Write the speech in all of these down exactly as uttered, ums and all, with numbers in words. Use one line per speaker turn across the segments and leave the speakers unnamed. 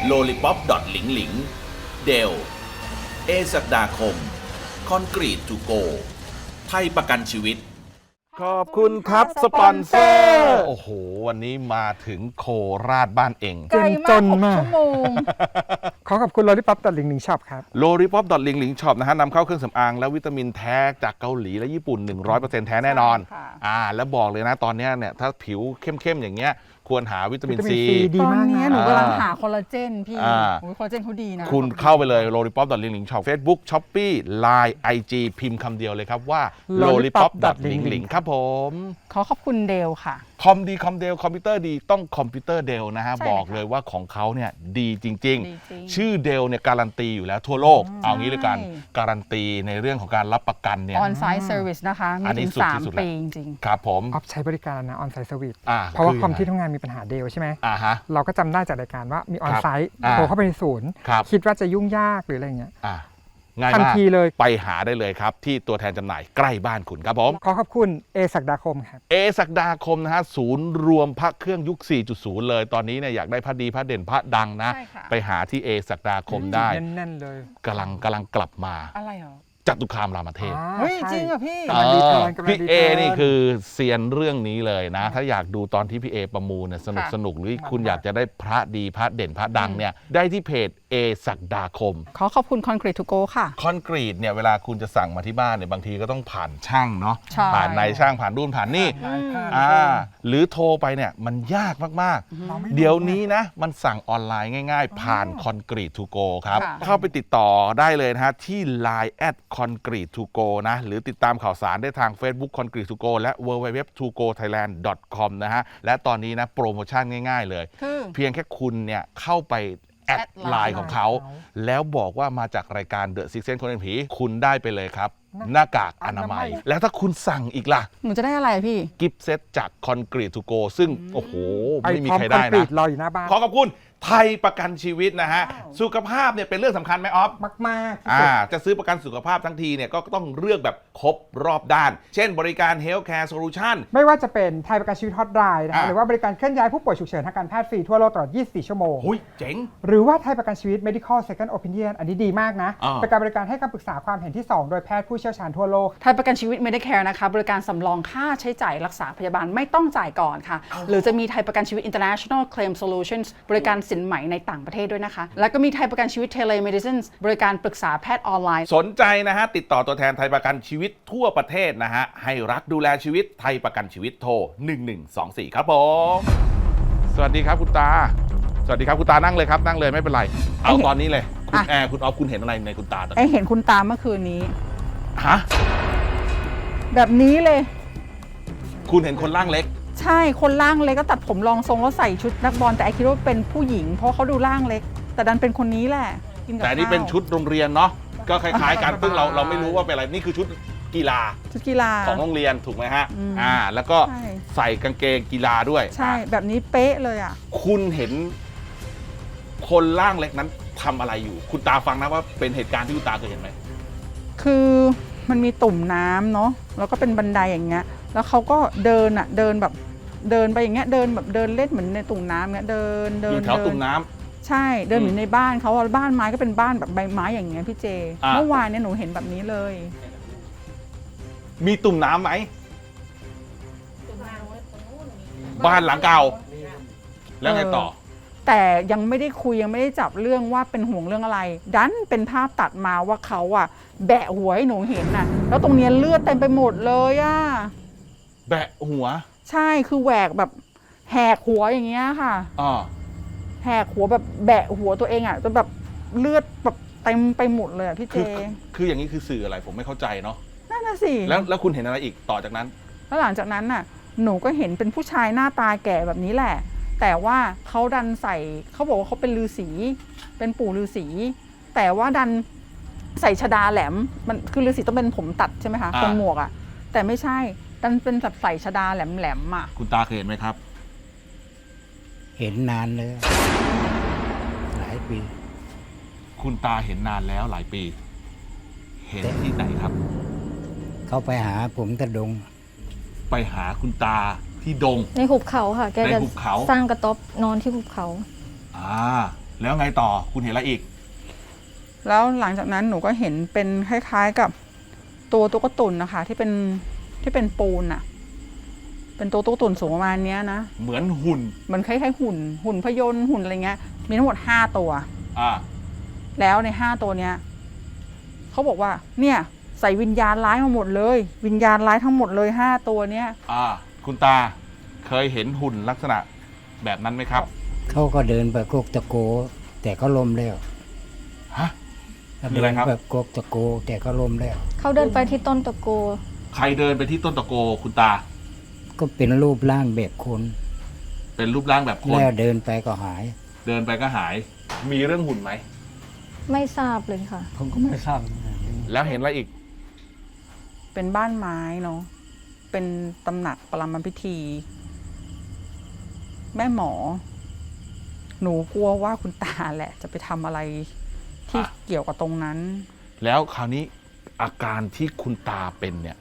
โลลิปอปดอทหลิงหลิงเดลเอศักดาคมคอนกรีตทูโกไทยประกันชีวิต
ขอบคุณครับสปอนเซอร์โอ้โหวันนี้มาถึงโคราชบ้านเอง
ไกลมากหกชั่วโมง
ขอขอบคุณโลลิปอปดอทลิงลิงช็อปครับ
โลลิปอปดอทลิงลิงช็อปนะฮะนำเข้าเครื่องสำอางและวิตามินแท้จากเกาหลีและญี่ปุ่น หนึ่งร้อยเปอร์เซ็นต์ แท้แน่นอนอ่าแล้วบอกเลยนะตอนนี้เนี่ยถ้าผิวเข้มๆอย่างเงี้ยควรหาวิตามินซี
ตอนนี้หนูกำลังหาคอลลาเจนพี่คอลลาเจนเขาดีนะ
คุณเข้าไปเลยโลลิปอปดอทลิงลิงช็อปเฟซบุ๊กช้อปปี้ไลน์ไอจีพิมพ์คำเดียวเลยครับว่าโลลิปอปดอทลิงลิงครับผม
ขอขอบคุณเดลค่ะ
คอมดีคอมเดลคอมพิวเตอร์ดีต้องคอมพิวเตอร์เดลนะฮะบอกเลยว่าของเขาเนี่ยดีจริงๆชื่อเดลเนี่ยการันตีอยู่แล้วทั่วโลกเอางี้เลยกันการันตีในเรื่องของการรับประกันเนี่ย
ออนไซต์เซอร์วิสนะคะมีถึงสามปีจริง
ครับผม
ออฟใช้บริการนะออนไซต์เซอร์วิสเพราะว่าคอมที่ทำงานมีปัญหาเดลใช่ไหม
อ่าฮะ
เราก็จำได้จากรายการว่ามีออนไซต์โทรเข้าไปในศูนย์คิดว่าจะยุ่งยากหรืออะไรเงี้ย
ง่ายมากทันทีเลยไปหาได้เลยครับที่ตัวแทนจำหน่ายใกล้บ้านคุณครับผม
ขอขอบคุณเอศักดาคมครับ
เอศักดาคมนะฮะศูนย์รวมพระเครื่องยุค สี่จุดศูนย์ เลยตอนนี้เนี่ยอยากได้พระดีพระเด่นพระดังนะไปหาที่เอศักดาคมได้
แน่นๆเลย
กำลังกำลังกลับมา
อะไรเหรอ
จตุคามรามเทพ
เฮ้ยจริงเหรอพี่
พี่เอนี่คือเซียนเรื่องนี้เลยนะถ้าอยากดูตอนที่พี่เอประมูลเนี่ยสนุกสนุกหรือคุณอยากจะได้พระดีพระเด่นพระดังเนี่ยได้ที่เพจเอศักดาคม
ขอขอบคุณคอนกรีตทูโกค่ะ
คอนกรีตเนี่ยเวลาคุณจะสั่งมาที่บ้านเนี่ยบางทีก็ต้องผ่านช่างเนาะผ่านนายช่างผ่านรุ่นผ่านนี่อ่าหรือโทรไปเนี่ยมันยากมากๆเดี๋ยวนี้นะมันสั่งออนไลน์ง่ายๆผ่านคอนกรีตทูโกครับเข้าไปติดต่อได้เลยนะฮะที่ ไลน์ แอท คอนกรีตทูโกนะหรือติดตามข่าวสารได้ทาง Facebook คอนกรีตทูโกและ ดับเบิลยู ดับเบิลยู ดับเบิลยู ดอท ทูโกไทยแลนด์ ดอท คอม นะฮะและตอนนี้นะโปรโมชั่นง่ายๆเลยเพียงแค่คุณเนี่ยเข้าไปแอดไลน์ของเขาแล้วบอกว่ามาจากรายการ The Six Sense คนเป็นผีคุณได้ไปเลยครับหน้ากากอนามัยแล้วถ้าคุณสั่งอีกล่ะ
หนูจะได้อะไรพี่
กิฟต์เซตจากคอนกรีตทูโกซึ่งโอ้โหไม่มีใครได้นะ
รออยู่หน้าบ้าน
ขอขอบคุณไทยประกันชีวิตนะฮะสุขภาพเนี่ยเป็นเรื่องสำคัญไหมออฟ
มาก
ๆอ่าจะซื้อประกันสุขภาพทั้งทีเนี่ยก็ต้องเลือกแบบครบรอบด้านเช่นบริการ Healthcare Solution
ไม่ว่าจะเป็นไทยประกันชีวิตฮอตไลน์นะคะหรือว่าบริการเคลื่อนย้ายผู้ป่วยฉุกเฉินทางการแพทย์ฟรีทั่วโลกตลอดยี่สิบสี่ชั่วโมง
หุ้ยเจ๋ง
หรือว่าไทยประกันชีวิต Medical Second Opinion อันนี้ดีมากนะเป็นการบริการให้คำปรึกษาความเห็นที่สองโดยแพทย์ผู้เชี่ยวชาญทั่วโลก
ไทยประกันชีวิต Medicare นะคะบริการสำรองค่าใช้จ่ายรักษาพยาบาลไม่ต้องจ่ายก่อนค่ะหรือจะมีไทยประกันชีวิต International Claim Solutions บริการสินไหมในต่างประเทศด้วยนะคะแล้วก็มีไทยประกันชีวิต Telemedicine บริการปรึกษาแพทย์ออนไลน์
สนใจนะฮะติดต่อตัวแทนไทยประกันชีวิตทั่วประเทศนะฮะให้รักดูแลชีวิตไทยประกันชีวิตโทรหนึ่งหนึ่งสองสี่ครับผมสวัสดีครับคุณตาสวัสดีครับคุณตานั่งเลยครับนั่งเลยไม่เป็นไรเอาตอนนี้เลยคุณแอร์คุณออฟคุณเห็นอะไรในคุณตาตอนนี้
ไอเห็นคุณตาเมื่อคืนนี้
ฮะ
แบบนี้เลย
คุณเห็นคนร่างเล็ก
ใช่คนร่างเล็กก็ตัดผมรองทรงแล้วใส่ชุดนักบอลแต่ไอคิดว่าเป็นผู้หญิงเพราะเขาดูร่างเล็กแต่ดันเป็นคนนี้แหละ
แต่นี่เป็นชุดโรงเรียนเนาะก็คล้ายๆกันซึ่งเราเราไม่รู้ว่าเป็นอะไรนี่คือชุดกีฬา
ชุดกีฬา
ของโรงเรียนถูกไหมฮะอ่าแล้วก็ใส่กางเกงกีฬาด้วย
ใช่แบบนี้เป๊ะเลยอ่ะ
คุณเห็นคนร่างเล็กนั้นทำอะไรอยู่คุณตาฟังนะว่าเป็นเหตุการณ์ที่คุณตาเคยเห็นไหม
คือมันมีตุ่มน้ำเนาะแล้วก็เป็นบันไดอย่างเงี้ยแล้วเขาก็เดินอ่ะเดินแบบเดินไปอย่างเงี้ยเดินแบบเดินเล่นเหมือนในตุ่มน้ำเงี้ยเดินเดิน
อยู่แถวตุ่มน้ำ
ใช่เดินอยู่ในบ้านเขาบ้านไม้ก็เป็นบ้านแบบใบไม้อย่างเงี้ยพี่เจเมื่อวานเนี่ยหนูเห็นแบบนี้เลย
มีตุ่มน้ำไหมบ้านหลังเก่าแล้วไงต่อ
แต่ยังไม่ได้คุยยังไม่ได้จับเรื่องว่าเป็นห่วงเรื่องอะไรดันเป็นภาพตัดมาว่าเขาอะแบะหัวให้หนูเห็นน่ะแล้วตรงเนี้ยเลือดเต็มไปหมดเลยอะ
แบะหัว
ใช่คือแหวกแบบแหกหัวอย่างเงี้ยค่ะ
อ๋อ
แหกหัวแบบแบะหัวตัวเองอ่ะจนแบบเลือดแบบเต็มไปหมดเลยอ่ะพี่เจ
คืออย่างนี้คือสื่ออะไรผมไม่เข้าใจเนาะ
นั่นน่ะสิ
แล้วแล้วคุณเห็นอะไรอีกต่อจากนั้น
แล้วหลังจากนั้นน่ะหนูก็เห็นเป็นผู้ชายหน้าตาแก่แบบนี้แหละแต่ว่าเขาดันใส่เขาบอกว่าเขาเป็นฤาษีเป็นปู่ฤาษีแต่ว่าดันใส่ชดาแหลมมันคือฤาษีต้องเป็นผมตัดใช่ไหมคะคนหมวกอ่ะแต่ไม่ใช่ดันเป็นแบบใส่ชดาแหลมๆอ่ะ
คุณตาเคยเห็นไหมครับ
เห็นนานเลยหลายปี
คุณตาเห็นนานแล้วหลายปีเห็นที่ไหนครับ
เขาไปหาผมตะดง
ไปหาคุณตาที่ดง
ในหุบเขาค่ะแกจะ
ส
ร้างกระต๊อบนอนที่หุบเขา
อ่าแล้วไงต่อคุณเห็นอะไรอีก
แล้วหลังจากนั้นหนูก็เห็นเป็นคล้ายๆกับตัวตุ๊กตุนนะคะ ที่เป็นที่เป็นปูนอะเป็นตัวตุ๊กตุนสูงประมาณเนี้ยนะ
เหมือนหุ่น
เหมือนคล้ายๆหุ่น หุ่นพยนต์หุ่นอะไรเงี้ย มีทั้งหมดห้าตัว
อ่า
แล้วในห้าตัวเนี้ยเขาบอกว่าเนี่ยใส่วิญญาณร้ายมาหมดเลย วิญญาณร้ายทั้งหมดเลยห้าตัวเนี้ย
อ่า คุณตาเคยเห็นหุ่นลักษณะแบบนั้นไหมครับ
เขาก็เดินแบบโกกตะโก แต่เขาล้มแล้ว
ฮะ คือ
เดิ
อะไร
น
ครับ
แบบโกกตะโก แต่เขาล้มแล้ว
เขาเดินไปที่ต้นตะโก
ใครเดินไปที่ต้นตะโกคุณตา
ก็เป็นรูปร่างแบบคน
เป็นรูปร่างแบบคน
แล้วเดินไปก็หาย
เดินไปก็หาย มีเรื่องหุ่นไหม
ไม่ทราบเลยค่ะ
ผมก็ไม่ทราบ
แล้วเห็นอะไรอีก
เป็นบ้านไม้เนาะ เป็นตำหนักปรามพิธี แม่หมอ หนูกลัวว่าคุณตาแหละ จะไปทำอะไรที่
อ่ะ
เกี่ยวกับตรงนั้น
แล้วคราวนี้อาการที่คุณตาเป็นเนี่ย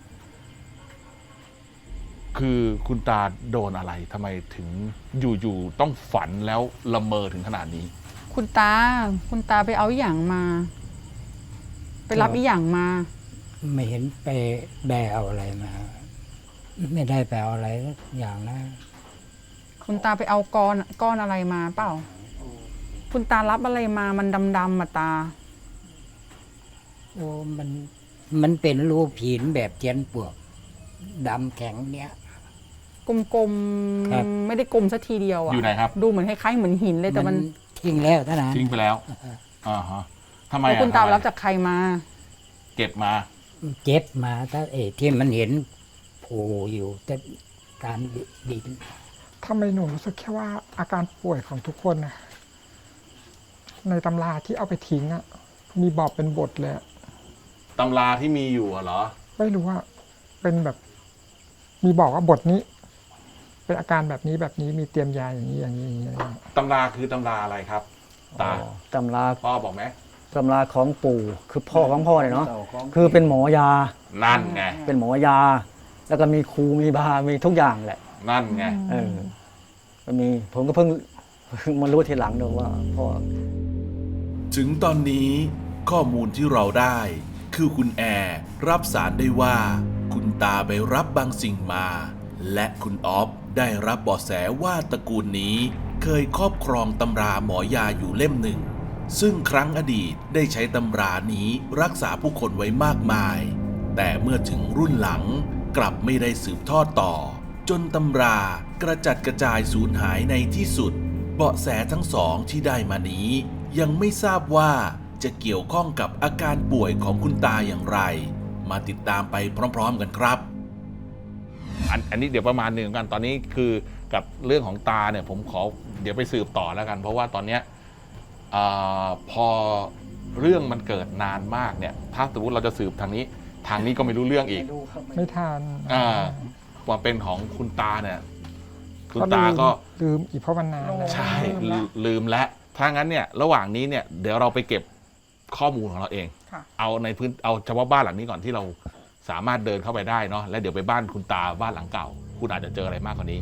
คือคุณตาโดนอะไรทำไมถึงอยู่ๆต้องฝันแล้วละเมอถึงขนาดนี้
คุณตา คุณตาไปเอาอหย่างมา ไปรับอีหยังมา
ไม่เห็นไปแบเอาอะไรมา ไม่ได้ไปเอาอะไรสักอย่างนะ
คุณตาไปเอาก้อนก้อนอะไรมาเปล่า คุณตารับอะไรมา มันดำๆมาตา
โอ้มัน มันเป็นรูปหินแบบเจียนปวกดำแข็งเนี้ย
กลม
ครับ
ๆ ไม่ได้กลมสักทีเดียวอะ
อยู่ไหนครับ
ดูเหมือนคล้ายๆเหมือนหินเลยแต่มัน
ทิ้งแล้วท่านนะ
ทิ้งไปแล้ว อ่าฮะทำไม
แล้ว
อ่ะ
คุณตา
ทำไม
รับจากใครมา
เก็บมา
เจ็บมาถ้าเอที่มันเห็นโผล่อยู่แต่การดิน
ทำไมหนูรู้สึกแค่ว่าอาการป่วยของทุกคนนะในตำราที่เอาไปทิ้งอะมีบอกเป็นบทเลยอะ
ตำราที่มีอยู่อะเหรอ
ไม่รู้ว่าเป็นแบบ มีบอกว่าบทนี้ เป็นอาการแบบนี้แบบนี้มีเตรียมยาอย่างนี้อย่างนี้อย่างนี้อะไรอย่างนี้
ตำราคือตำราอะไรครับ ตา
ตำรา
พ่อบอกไหม
ตำราของปู่คือพ่อของพ่อเนี่ยเนาะคือเป็นหมอยา
นั่นไง
เป็นหมอยา แล้วก็มีครูมีบามีทุกอย่างแหละ
นั่นไง
เออมันมีผมก็เพิ่งเพิ่งมารู้ทีหลังเนอะว่าพ่อ
ถึงตอนนี้ข้อมูลที่เราได้ คือคุณแอร์รับสารได้ว่า คุณตาไปรับบางสิ่งมา และคุณออฟได้รับเบาะแสว่าตระกูลนี้ เคยครอบครองตำราหมอยาอยู่เล่มหนึ่ง ซึ่งครั้งอดีตได้ใช้ตำรานี้รักษาผู้คนไว้มากมาย แต่เมื่อถึงรุ่นหลังกลับไม่ได้สืบทอดต่อ จนตำรากระจัดกระจายสูญหายในที่สุด เบาะแสทั้งสองที่ได้มานี้ ยังไม่ทราบว่าจะเกี่ยวข้องกับอาการป่วยของคุณตาอย่างไร มาติดตามไปพร้อมๆกันครับ
อันอันนี้เดี๋ยวประมาณหนึ่งกันตอนนี้คือกับเรื่องของตาเนี่ยผมขอเดี๋ยวไปสืบต่อแล้วกัน เพราะว่าตอนเนี้ยเออพอเรื่องมันเกิดนานมากเนี่ย ถ้าสมมติเราจะสืบทางนี้ ทางนี้ก็ไม่รู้เรื่องอีก
ไม่ทาน
อ่าความเป็นของคุณตาเนี่ย คุณตาก็
ลืมอีกเพราะมันนานแล้ว
ใช่ลืมลืมแล้วถ้างั้นเนี่ยระหว่างนี้เนี่ยเดี๋ยวเราไปเก็บข้อมูลของเราเอง
ค่ะ
เอาในพื้นเอาเฉพาะบ้านหลังนี้ก่อนที่เราสามารถเดินเข้าไปได้เนาะแล้วเดี๋ยวไปบ้านคุณตาบ้านหลังเก่า คุณอาจจะเจออะไรมากกว่านี้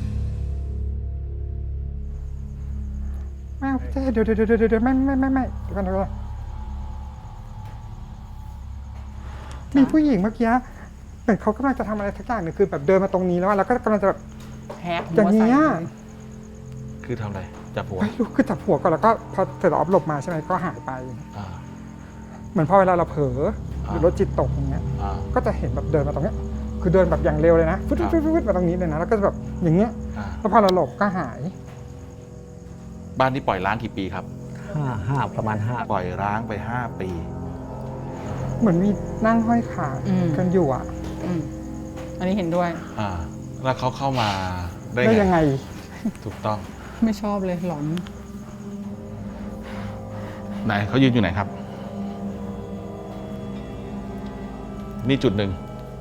ไม่เอาพี่เจ๊เดี๋ยวเดี๋ยวเดี๋ยวเดี๋ยวไม่ไม่ไม่ไม่เดี๋ยวก่อนเดี๋ยวก่อนมีผู้หญิงเมื่อกี้เหมือนเขากำลังจะทำอะไรสักอย่างหนึ่งคือแบบเดินมาตรงนี้แล้วอะแล้วก็กำลังจะแบบ
แฮก
อย่างเงี้ย
คือทำอะไรจับหัว
ไม่รู้คือจับหัวก่อนแล้วก็พอเสร็จแล้วออฟหลบมาใช่ไหมก็หายไป
อ่า
เหมือนพอเวลาเราเผลอหรือ
อ่าร
ถจิตตกอย่างเงี้ย
อ่า
ก็จะเห็นแบบเดินมาตรงเนี้ย คือเดินแบบอย่างเร็วเลยนะฟึดฟึดฟึดฟึดมาตรงนี้เลยนะแล้วก็จะแบบอย่างเงี้ย
อ่า
แล้วพอเราหลบก็หาย
บ้านที่ปล่อยร้างกี่ปีครับ
ห้าห้าประมาณห้า
ปล่อยร้างไปห้าปี
เหมือนมีนั่งห้อยขากันอยู่อ่ะ
อืมอันนี้เห็นด้วย
อ่า แล้วเขาเข้ามาได้
ได้
ไง
ยังไง
ถูกต้อง
ไม่ชอบเลยหลอน
ไหนเขายืนอยู่ไหนครับ นี่จุดหนึ่ง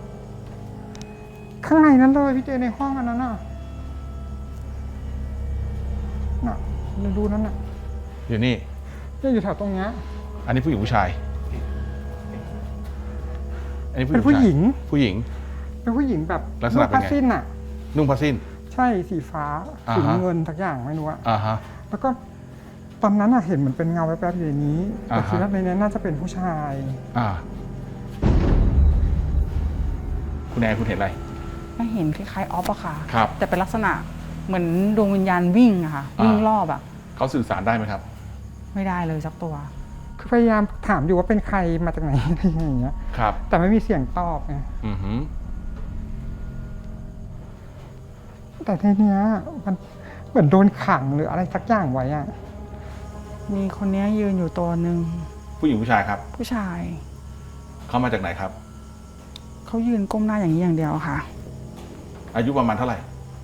ข้างในนั้นเลยพี่เจในห้องอันนั้นน่ะน่ะเราดูนั่นน่ะ
อยู่นี่
เนี่ยอยู่แถวตรงเนี้ย
อันนี้ผู้หญิงผู้ชาย อันนี้
เป็นผู้หญิง
ผู้หญิง
เป็นผู้หญิงแบบ
ลักษณะเป็นไง
ผ้าสิ้นน่ะ
นุ่งผ้าสิ้น
ใช่สีฟ้า
อ่า
สี
ฮะ
เงินทักอย่างไม่รู้อะ
อ่าฮะ
แล้วก็ตอนนั้นอะเห็นเหมือนเป็นเงาแวบๆอยู่ในนี้แต่
อ่าฮะ
คิดว่าในนี้น่าจะเป็นผู้ชาย
อ่า คุณแอนคุณเห็นอะไร
ก็เห็นคล้ายๆออฟอะค่ะ
ครับ
แต่เป็นลักษณะเหมือนดวงวิญญาณวิ่งอะค่ะ
อ่า
วิ่งรอบอะ
เขาสื่อสารได้ไหมครับ
ไม่ได้เลยสักตัว
คือพยายามถามอยู่ว่าเป็นใครมาจากไหน อะไรอย่างเงี้ย
ครับ
แต่ไม่มีเสียงตอบไง
อือหือ
แต่ทีเนี้ยมันเหมือนโดนขังหรืออะไรสักอย่างไว้อะ
มีคนเนี้ยยืนอยู่ตัวหนึ่ง
ผู้หญิงผู้ชายครับ
ผู้ชาย
เขามาจากไหนครับ
เขายืนก้มหน้าอย่างนี้อย่างเดียวค่ะ
อายุประมาณเท่าไหร่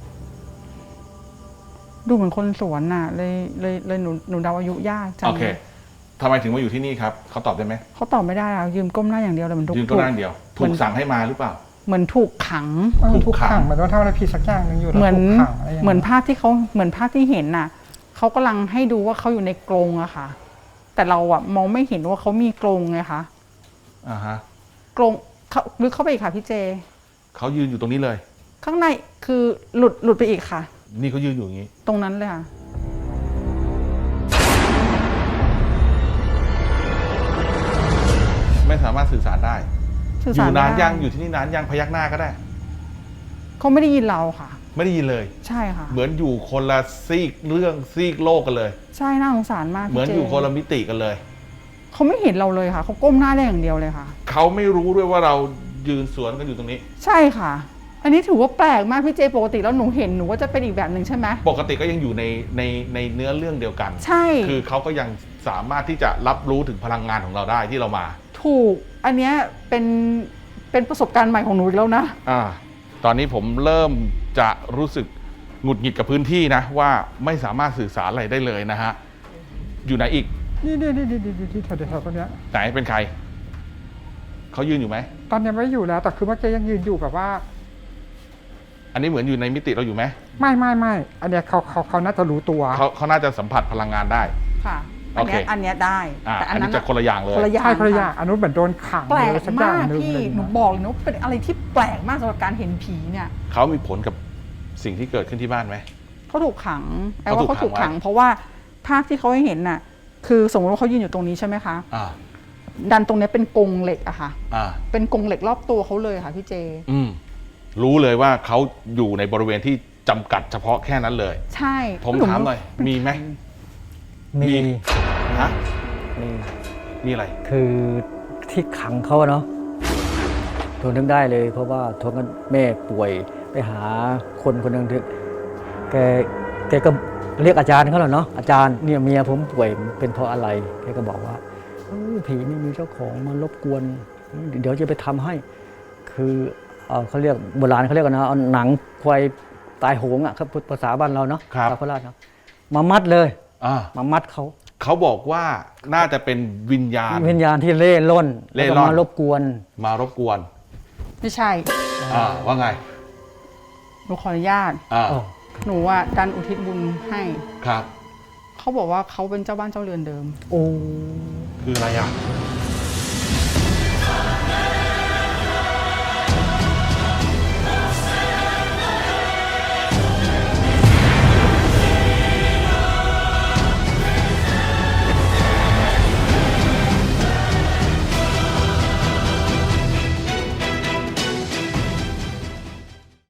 ดูเหมือนคนสวนน่ะ เลยเลยเลยหนูหนูเดาอายุยากจัง
โอเคทำไมถึงมาอยู่ที่นี่ครับ เขาตอบได้ไหม
เขาตอบไม่ได้อะยืนก้มหน้าอย่างเดียวเลยเหมือนถูก
ยืนก็นั่งเดียว ถูกสั่งให้มาหรือเปล่า
เหมือนถูกขัง
เออ
ถู
ถู
ก
ก
ขั
ขั
ง
งเหมือนว่าทำอะไรผิดสักอย่างหนึ่งอยู่แล้ว
เหมือน
ถูกขังอะไรอย่าง
เหมือน
เงี้ย
ภาพที่เขาเหมือนภาพที่เห็นน่ะเขากำลังให้ดูว่าเขาอยู่ในกรงอะค่ะ แต่เราอะมองไม่เห็นว่าเขามีกรงไงคะ
อ่าฮะ
กรงเขาลึกเข้าไปอีกค่ะพี่เจ
เขายืนอยู่ตรงนี้เลย
ข้างในคือหลุดหลุดไปอีกค่ะ
นี่เขายืนอยู่อย่างนี้
ตรงนั้นเลยค่ะ
ไม่สามารถสื่อสารได้
สื่อ
อ
สาร
ยู่
ไม่
นาน
ได้
ยังอยู่ที่นี่นานยังพยักหน้าก็ได้
เขาไม่ได้ยินเราค่ะ
ไม่ได้ยินเลย
ใช่ค่ะ
เหมือนอยู่คนละซีกเรื่องซีกโลกกันเลย
ใช่น่าสงสารมาก
เหมือน
พี่
อ
เจ
ยู่คนละมิติกันเลย
เขาไม่เห็นเราเลยค่ะเขาก้มหน้าได้อย่างเดียวเลยค่ะ
เขาไม่รู้ด้วยว่าเรายืนสวนกันอยู่ตรงนี้
ใช่ค่ะ อันนี้ถือว่าแปลกมากพี่เจปกติแล้วหนูเห็นหนูก็จะเป็นอีกแบบหนึ่งใช่ไหม
ปกติก็ยังอยู่ในในในเนื้อเรื่องเดียวกัน
ใช่
คือเขาก็ยังสามารถที่จะรับรู้ถึงพลังงานของเราได้ที่เรามา
ถูก อันเนี้ยเป็นเป็นประสบการณ์ใหม่ของหนูอีกแล้วนะ
อ่า ตอนนี้ผมเริ่มจะรู้สึกหงุดหงิดกับพื้นที่นะ ว่าไม่สามารถสื่อสารอะไรได้เลยนะฮะ อยู่ไหนอีก
นี่นี่นี่นี่นี่ที่แถวแถวๆตรงเนี้ย
ไหนเป็นใคร เขายืนอยู่ไหม
ตอนเนี้ยไม่อยู่แล้วแต่คือเมื่อกี้ยังยืนอยู่แบบว่า
อันนี้เหมือนอยู่ในมิติเราอยู่ไหม
ไม่ไม่ไม่อันเนี้ยเขาเขาเขาน่าจะรู้ตัว
เขาเขาน่าจะสัมผัสพลังงานได้
ค่ะ อันเนี้ย
โอเค
อันเนี้ยได้
อ่า
แต่
อั
อั
น
น
นี้
นั้น
จะคนละอย่างเลย
คนละอย่าง
ใช่ภรรยา
ค่ะ
อันนู้นเหมือนโดนขัง
แปล
เลย
ก
สักอย่าม
าง ก
หนึ่ง
พี่
เลย
หนู
นะ
บอกเลยนะว่าเป็นอะไรที่แปลกมากสำหรับการเห็นผีเนี่ย
เขามีผลกับสิ่งที่เกิดขึ้นที่บ้านไหม
เขาถูกขังไอ้
เขา
ว่า
ถูก
เขาถูก
ขั
ขั
ง
ง
ไว้
เพราะว่าภาพที่เขาให้เห็นน่ะ คือสมมติว่าเขายืนอยู่ตรงนี้ใช่ไหมคะ
อ่า
ดันตรงเนี้ยเป็นกรงเหล็กอะค่ะ
อ่า
เป็นกรงเหล็กรอบตัวเขาเลยค่ะพี่เจ
อืม รู้เลยว่าเขาอยู่ในบริเวณที่จำกัดเฉพาะแค่นั้นเลย
ใช่
ผมถามหน่อย มีไหม
มี
ฮะ
มี
มีอะไร
คือที่ขังเขาอะเนาะทนถึงได้เลย เพราะว่าทนกันแม่ป่วยไปหาคนคนหนึ่งที่แกแกก็เรียกอาจารย์เขาแหละเนาะอาจารย์เนี่ยเมียผมป่วยเป็นเพราะอะไรแกก็บอกว่าเออผีไม่มีเจ้าของมารบกวน เดี๋ยวจะไปทำให้ คือเอ่อเขาเรียกโบราณเขาเรียกกันนะเอาหนังควายตายโหงอ่ะครับภาษาบ้านเราเนาะ
ครับ
ชาวโคราชเนาะมามัดเลย
อ่า
มามัดเขา
เขาบอกว่าน่าจะเป็นวิญญาณ
วิญญาณที่เล่ร่อน
เล่
แล้ว
ร่
ก็
อน
มารบกวน
มารบกวน
ไม่ใช่
อ่า ว่าไง
หนูขออนุญาต
อ่า
อ๋อ
หนูอ่ะดันอุทิศบุญให้
ครับ
เขาบอกว่าเขาเป็นเจ้าบ้านเจ้าเรือนเดิม
โอ้
คืออะไรอ่ะ
เ